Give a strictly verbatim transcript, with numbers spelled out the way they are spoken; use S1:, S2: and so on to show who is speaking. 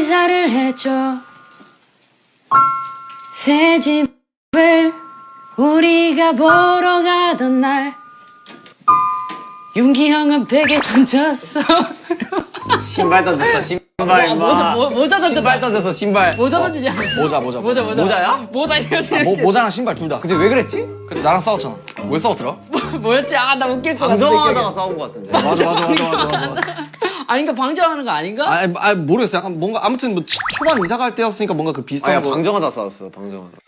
S1: 이사를 했죠. 새 집을 우리가 보러 가던 날 윤기 형은 베개 던졌어.
S2: 신발 던졌어 신발
S1: 모자,
S2: 임마.
S1: 모- 모자 던졌다.
S2: 신발 던졌어 신발.
S1: 모자 던지지 않아.
S3: 모자 모자
S1: 모자 모자.
S2: 모자야?
S1: 모자 이렇게.
S3: 모, 모자랑 신발 둘 다.
S2: 근데 왜 그랬지?
S3: 근데 나랑 싸웠잖아. 왜 싸웠더라?
S1: 뭐였지? 아, 나 웃길 것 같은데.
S2: 방정하다가 싸운 거 같은데.
S3: 맞아 맞아 맞아 맞아 맞아.
S1: 아닌가? 방정하는 거 아닌가?
S3: 아, 아 모르겠어. 약간 뭔가 아무튼 뭐 치- 초반 이사 갈 때였으니까 뭔가 그 비슷한
S2: 아야
S3: 거.
S2: 방정하다 싸웠어 방정하다.